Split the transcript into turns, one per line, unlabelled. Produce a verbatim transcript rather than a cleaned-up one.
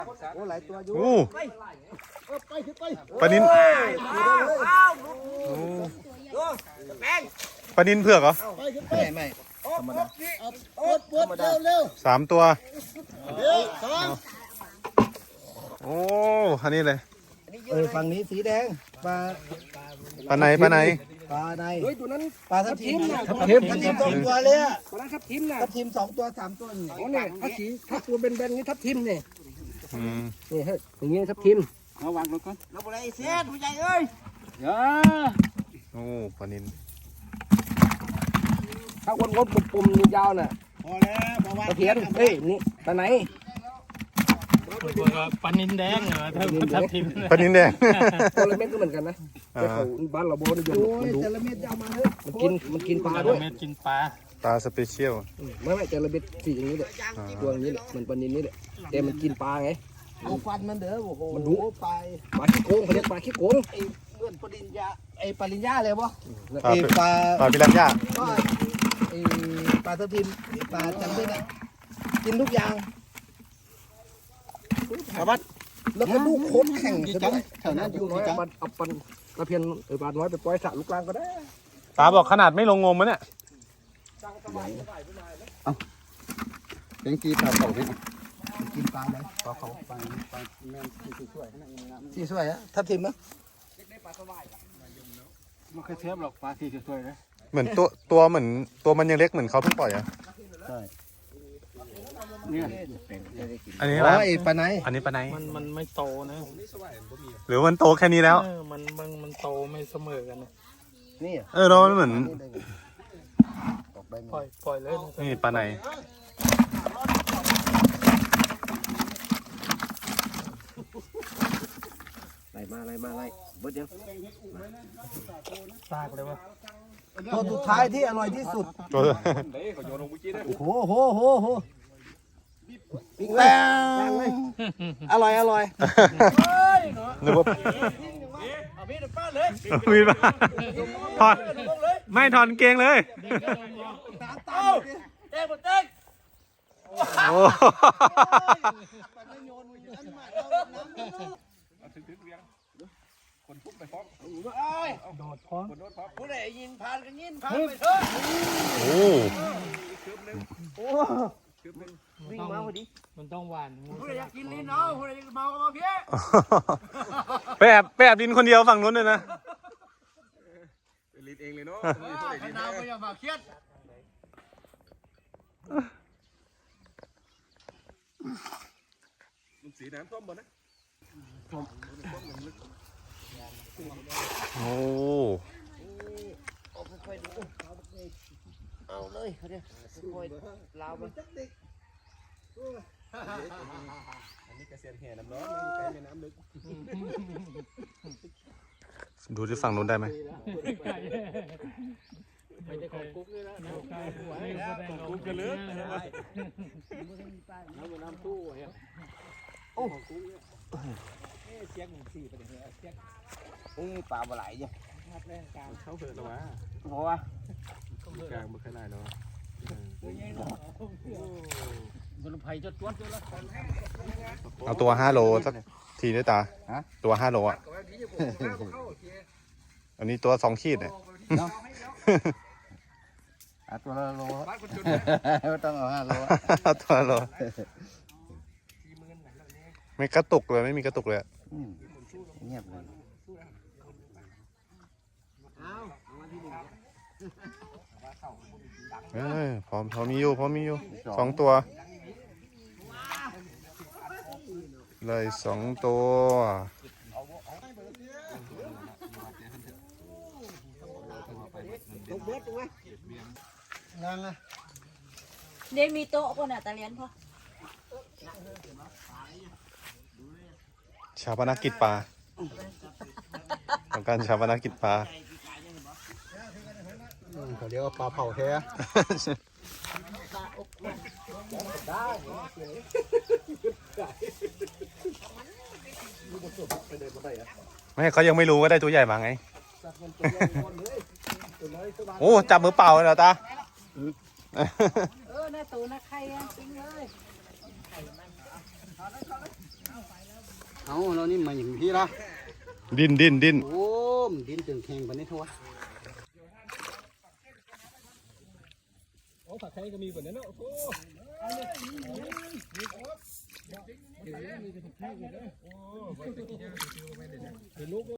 โอ้หลายตัวอยู่
โอ้
ไปไปไป
ปลานินปลานินเผือกเหรอ
ไม่ไม่ธรรมดาธรรมดาเร็ว
สามตัว
เร็วสอง
โอ้อันนี้เลย
เออฝั่งนี้สีแดงปลา
ปลาไหนปลาไหน
ปลาใน
เฮ้ยตัวนั้น
ปลาทับทิม
ทับ
ทับ
ทิ
ทิ
ม
มทับทิมสองตัวเลยอะ
ตัวนั้นทับทิมนะ
ทับทิมสองตัวสามตัวนี่
โอ้เนี่ยถ้าสีถ้าตัวเบนๆนี่ทับทิมเนี่ย
อืม
นี่เฮ้ยอย่างเงี้ยทับทิมเอาวางลงก่อน
เราอะไรเสียผู้ใหญ่เอ้ย
เดี๋ยว
โอ้ปลานิน
ถ้าวนๆปุ่มๆยาวน่ะ
พอแล้วพอว่า
ตะเพียนเฮ้ยนี่ตาไหน
ปลานินแดงเหรอถ้าทับทิม
ปลานินแดง
ตัวละเม็ดก็เหมือนกันนะ
อ่า
แต่เขาบ้านเราโบนิยม
โอ้
มัน
ย
ดู
แต่ละเม็ดจะเอามาเฮ้ย
มันกินมันกินปลา
ปลา
ด้วย
เม็ดกินปลา
ปลาสเปเชียล
ไม่ไม่แต่ละเม็ดสีอย่างนี้แหละตัวอย่างนี้แหละมันปลานินนี่แหละแต่มันกินปลาไง
เอาฟันมันเด้อโอ้โห
มันดุ
ไป
ปลาขี้โกงเขาเรียกปลาขี้โกง
ไอ้เพื่อนปริญญาไอ้ปริญญาเลยปะ
ปลา
ไอ้ปลา
ปลาพิรันย่า
ก็ไอ้ปลาทับทิมไอ้ปลาจันทร์เนี่ยกินทุกอย่าง
สวัสด
แล้วก็ลูกโคตรแข่งใช่ไหมแถวนั้นอยู่
น้อย
จัง
เอาเอาปันตะเพียนเออปลาน้อยไปปล่อยสระลูกกลางก็ได้
ตาบอกขนาดไม่ลงงมมะเนี่ย
เป็นกีปลาเขาพี่กินปลาไหมปลาเขาปลาปลาแมนสีสวยขนาดนี้นะสีสวยอะทับทิมนะ
ไม่เคยเทียบหรอกปลาสีสวยๆนะ
เหมือนตัวตัวเหมือนตัวมันยังเล็กเหมือนเขาเพิ่งปล่อยอ่ะ
เนี่ย
อันนี้
อ๋
อะไร
อไอ้ปลาไหน
อันนี้ปลาไหน
มันมันไม่โตนะ
หรือมันโตแค่นี้แล้ว
เออมันมันมันโตไม่เสมอกันนะ
นี่
เออเรามันเหมือน
ออกได้ไหม
ปล่อยปล่อยเลยนะ
นี่ปลาไหน
ไล่มาไล่มาไล่เบิดเดียว
ซากเลยวะ
ตัวสุดท้ายที่อร่อยที่สุด
ตัว
โอ้โหโหโหโหปิ๊งแป้งอร่อยอร่อย
นึกว่ามีดมาถอดไม่ถอนเกงเลยโอ้
โดดพร้อม
ผู้ใดยินผ่านกันยินผ่านไปเถอะ
โห
วิ่งมาพอดีมันต้องหวานงู
ผู้ใดอยากกินลิ้นเนาะผู้ใดอยากเมาก็มาเพี้ย
ไปแอบไปแอบดินคนเดียวฝั่งนู้นเลยนะ
ลิ้นเองเลยเนาะ
ขนาดก็อย่ามาเครียด
สีน้ำท่วมหมดนะ
โอ้
เอาเลยเขาเนี่ยค่อยลาวไป
อันนี้กระเซียนแห่น้ำร้อนใกล้แม่น้ำลึก
ดูที่ฝั่งนู้นได้ไหม
ไม่ได้ของกุ๊กเลยนะไม่ได้ของกุ๊กกันเลย
น้ำน้ำตู้ไว้
อุ้ยปลาปลาไหลจ้ะ
เขาเหือดหรอวะ
เพราะว่า
กลางมันขนาดเนาะ
บนไผ่จะตรวจด้วยละ
เอาตัวห้าโลสักทีด้วยตาตัวห้าโลอ่ะอันนี้ตัวสองขีดเนี่ย
อ่ะตัวละโลไม่ต้องเอาห้าโล
ตัวโลไม่กระตุกเลยไม่มีกระตุกเลย
เงียบเลย
เออพร้อมพร้อมมีอยู่พร้อมมีอยู่สองตัวเลยสองตัว
นางอะ
เดี๋ยวมีโต๊ะคนอ่ะตะเลียนพอ
ชาปนกิจปลาต้องการชาปนกิจปลา
เขาเรียกว่าปลาเผาแท้
ไม่เขายังไม่รู้ว่าได้ตัวใหญ่มาไงโอ้จับมือเปล่าเลยเหรอตา
เออหน้าตูหน้าใครอ่ะจริงเลย
เอาเรานี่มาอย่างพี่ละ
ดิ้นดิ้นดิ้น
โอ้มดินตึงแข็งปานนี้ทั่ว
โอ้ผักไทยก็มีแบบนั้นเนาะโอ้